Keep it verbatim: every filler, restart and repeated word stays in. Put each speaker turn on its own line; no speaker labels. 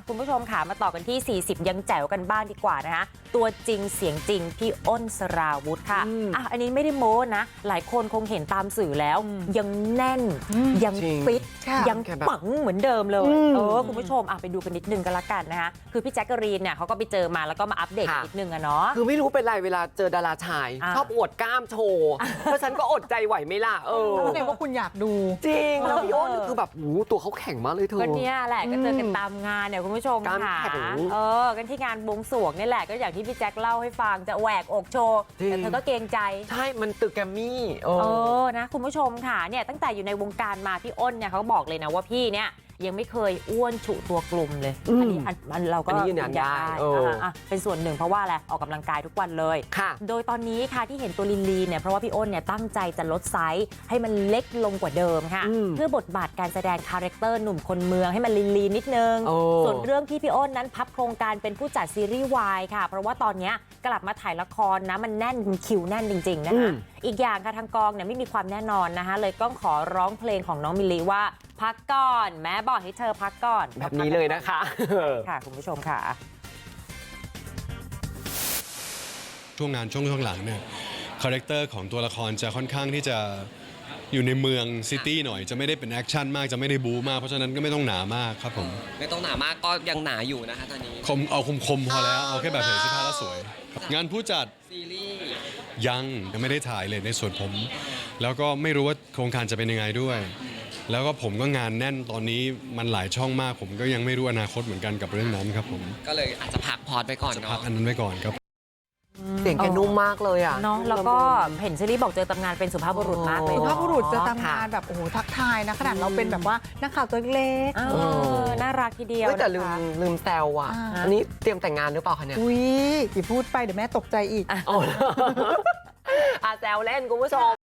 คุณผู้ชมค่ะมาต่อกันที่สี่สิบยังแจ๋วกันบ้างดีกว่านะคะตัวจริงเสียงจริงพี่อ้นสราวุธค่ะอ่ะอันนี้ไม่ได้โม้นะหลายคนคงเห็นตามสื่อแล้วยังแน่นยังฟิตยังปังเหมือนเดิมเลยเออคุณผู้ชมอ่ะไปดูกันนิดนึงกันละกันนะคะคือพี่แจ๊กกะรีนเนี่ยเขาก็ไปเจอมาแล้วก็มาอัปเดตนิดนึงอะเนาะ
คือไม่รู้เป็นไรเวลาเจอดาราชายชอบอวดกล้ามโชว์เพราะฉันก็อดใจไหวไม่ล่ะเออ
แสดงว่าคุณอยากดู
จริงแล้วพี่อ้นคือแบบหูตัวเขาแข็งมากเลยเธอ
ก็เนี่ยแหละก็เจอกันตามงานเนี่ยคุณผู้ชมค่ะเออกันที่งานบวงสรวงนี่แหละก็อย่างที่พี่แจ๊คเล่าให้ฟังจะแหวกอกโชว์แต่เธอก็เกรงใจ
ใช่มันตึกแกรมมี่เอ
อนะคุณผู้ชมค่ะเนี่ยตั้งแต่อยู่ในวงการมาพี่อ้นเนี่ยเขาบอกเลยนะว่าพี่เนี่ยยังไม่เคยอ้วนฉุตัวกลุ่มเลยอันนี้อันเราก็
ยืนยันได้
เป็นส่วนหนึ่งเพราะว่าอะไรออกกำลังกายทุกวันเลยโดยตอนนี้ค่ะที่เห็นตัวลีนลีเนี่ยเพราะว่าพี่อ้นเนี่ยตั้งใจจะลดไซส์ให้มันเล็กลงกว่าเดิมค่ะเพื่อบทบาทการแสดงคาแรคเตอร์หนุ่มคนเมืองให้มันลีนลีนิดนึงส่วนเรื่องที่พี่อ้นนั้นพับโครงการเป็นผู้จัดซีรีส์วายค่ะเพราะว่าตอนนี้กลับมาถ่ายละครนะมันแน่นคิวแน่นจริงๆนะคะอีกอย่างค่ะทางกองเนี่ยไม่มีความแน่นอนนะคะเลยก็ขอร้องเพลงของน้องมิลลีว่าพักก่อนแม่บอกให้เธอพักก่อน
แบบนี้เลยนะคะ
ค่ะคุณผู้ชมค่ะ
ช่วงงานช่วงช่วงหลังเนี่ยคาแรคเตอร์ของตัวละครจะค่อนข้างที่จะอยู่ในเมืองซิตี้หน่อยจะไม่ได้เป็นแอคชั่นมากจะไม่ได้บู๊มากเพราะฉะนั้นก็ไม่ต้องหนามากครับผม
ไม่ต้องหนามากก็ยังหนาอยู่นะคะตอนนี้
คมเอาคมคมพอแล้วเอาแค่แบบเห็นเสื้อผ้าแล้วสวยงานผู้จัด
ซีรีส์
ยังยังไม่ได้ถ่ายเลยในส่วนผมแล้วก็ไม่รู้ว่าโครงการจะเป็นยังไงด้วยแล้วก็ผมก็งานแน่นตอนนี้มันหลายช่องมากผมก็ยังไม่รู้อนาคตเหมือนกันกับเรื่องนั้นครับผม
ก็เลยอาจจะพักพอดไปก่อน
เนาะพักอันนั้นไว้ก่อนครับ
เสียงแกนุ่มมากเลยอ่ะ
เนาะแล้วก็เห็นเชอรี่บอกเจอตำงานเป็นสุภาพบุรุษมากเลย
สุภาพบุรุษจะทำงานแบบโอ้โหทักทายนะขนาดเราเป็นแบบว่านักข่าวตัวเล็ก
น่ารักทีเดียว
แต่ลืมลืมแซวอ่ะอันนี้เตรียมแต่งงานหรือเปล่าคะเนี่ย
อุ้ยอย่าพูดไปเดี๋ยวแม่ตกใจอีก
อ่ะแซวเล่นคุณผู้ชม